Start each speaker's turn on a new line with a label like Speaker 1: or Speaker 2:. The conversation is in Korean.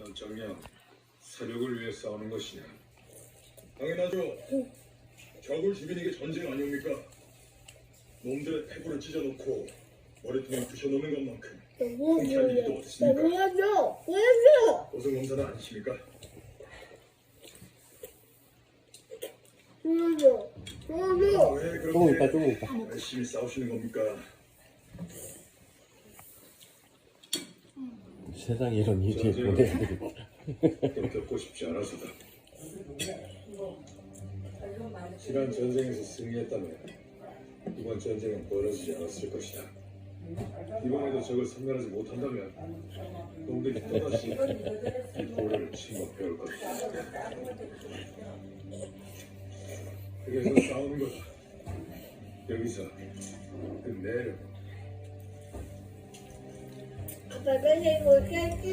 Speaker 1: 현장령, 세력을 위해 싸우는 것이냐?
Speaker 2: 당연하죠. 적을 죽이는 게 전쟁 아닙니까? 놈들의 폐부를 찢어놓고 머리통을 부셔놓는 것만큼 통쾌한 일이 또 어딨습니까?
Speaker 3: 보여줘!
Speaker 2: 고성검사는 아니십니까?
Speaker 3: 보여줘!
Speaker 2: 왜
Speaker 4: 조금 있다,
Speaker 2: 그렇게
Speaker 4: 조금 있다.
Speaker 2: 열심히 싸우시는 겁니까?
Speaker 4: 세상에 이런 일이 보내야 되겠다.
Speaker 1: 또 겪고 싶지 않아서다. 지난 전쟁에서 승리했다면 이번 전쟁은 벌어지지 않았을 것이다. 이번에도 적을 섬멸하지 못한다면 놈들이 또다시 이 고려를 침범해올 것이다. 그래서 싸우는 거다. 여기서 끝내려.
Speaker 3: 아빠, 빨리 이거